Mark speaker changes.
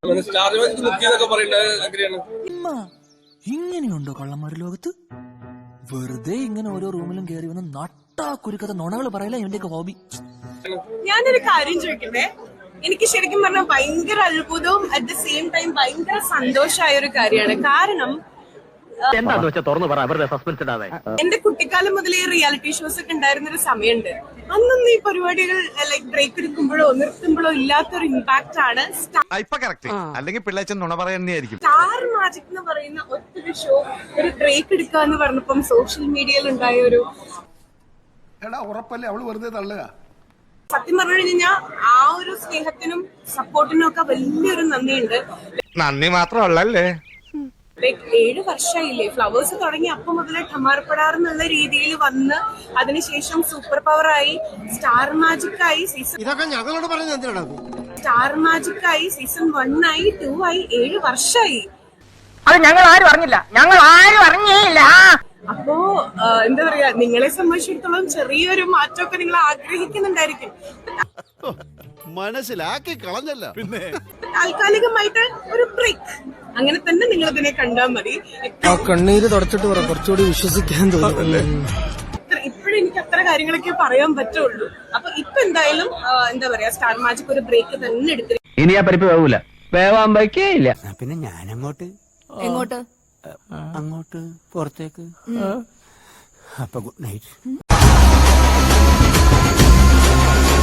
Speaker 1: ഇങ്ങനെയുണ്ടോ കള്ളന്മാര് ലോകത്ത്? വെറുതെ ഇങ്ങനെ ഓരോ റൂമിലും കയറി വന്ന് നട്ടാ കുരുക്കഥ നുണകൾ പറയില്ല ഇവന്റെയൊക്കെ ഹോബി.
Speaker 2: ഞാനൊരു കാര്യം ചോദിക്കട്ടെ, എനിക്ക് ശരിക്കും പറഞ്ഞാൽ ഭയങ്കര അത്ഭുതവും അറ്റ് ദ സെയിം ടൈം ഭയങ്കര സന്തോഷമായ ഒരു കാര്യമാണ്. കാരണം എന്റെ കുട്ടിക്കാലം മുതലേ റിയാലിറ്റി ഷോസ് ഒക്കെ ഉണ്ടായിരുന്ന ഒരു സമയമുണ്ട്. അന്നൊന്നും ഈ പരിപാടികൾ ലൈക് ബ്രേക്ക് എടുക്കുമ്പോഴോ നിർത്തുമ്പോഴോ ഇല്ലാത്തൊരു ഇമ്പാക്ട് ആണ് സ്റ്റാർ മാജിക് എന്ന് പറയുന്ന ഒറ്റൊരു ഷോ ഒരു ബ്രേക്ക് എടുക്കുക എന്ന് പറഞ്ഞപ്പം സോഷ്യൽ മീഡിയയിൽ ഉണ്ടായ ഒരു സത്യം പറഞ്ഞു കഴിഞ്ഞാൽ ആ ഒരു സ്നേഹത്തിനും സപ്പോർട്ടിനും ഒക്കെ വലിയൊരു നന്ദിയുണ്ട്.
Speaker 3: നന്ദി മാത്രമല്ലേ,
Speaker 2: ലൈക് 7 വർഷമായില്ലേ ഫ്ലവേഴ്സ് തുടങ്ങി അപ്പം മുതലേ ഠമാർപ്പെടാർ എന്നുള്ള രീതിയിൽ വന്ന് അതിനുശേഷം സൂപ്പർ പവർ ആയി സ്റ്റാർ മാജിക് ആയി സ്റ്റാർ മാജിക് ആയി സീസൺ 1 ആയി 2 ആയി 7 വർഷമായി.
Speaker 4: അത് ഞങ്ങൾ ആരും അറിഞ്ഞില്ല.
Speaker 2: അപ്പോ എന്താ പറയാ, നിങ്ങളെ സംബന്ധിച്ചിടത്തോളം ചെറിയൊരു മാറ്റമൊക്കെ നിങ്ങൾ ആഗ്രഹിക്കുന്നുണ്ടായിരിക്കും.
Speaker 5: മനസ്സിലാക്കി കളഞ്ഞല്ല. പിന്നെ
Speaker 2: താൽക്കാലികമായിട്ട് ഒരു ബ്രേക്ക്, അങ്ങനെ തന്നെ നിങ്ങൾ ഇതിനെ കണ്ടാൽ മതി.
Speaker 1: കണ്ണീര് തുടച്ചിട്ട് പറ, കുറച്ചുകൂടി വിശ്വസിക്കാൻ തോന്നുന്നു.
Speaker 2: ഇപ്പോഴും എനിക്ക് അത്ര കാര്യങ്ങളൊക്കെ പറയാൻ പറ്റുള്ളൂ. അപ്പൊ ഇപ്പൊ എന്തായാലും എന്താ പറയാ, സ്റ്റാർ മാജിക് ഒരു ബ്രേക്ക് തന്നെ എടുത്തിരിക്കും.
Speaker 4: ഇനി ആ പരിപ്പ് വേവൂല, വേവാൻ വയ്ക്കേയില്ല.
Speaker 1: പിന്നെ ഞാനങ്ങോട്ട്
Speaker 6: എങ്ങോട്ട്?
Speaker 1: അങ്ങോട്ട് പുറത്തേക്ക്. അപ്പൊ ഗുഡ് നൈറ്റ്.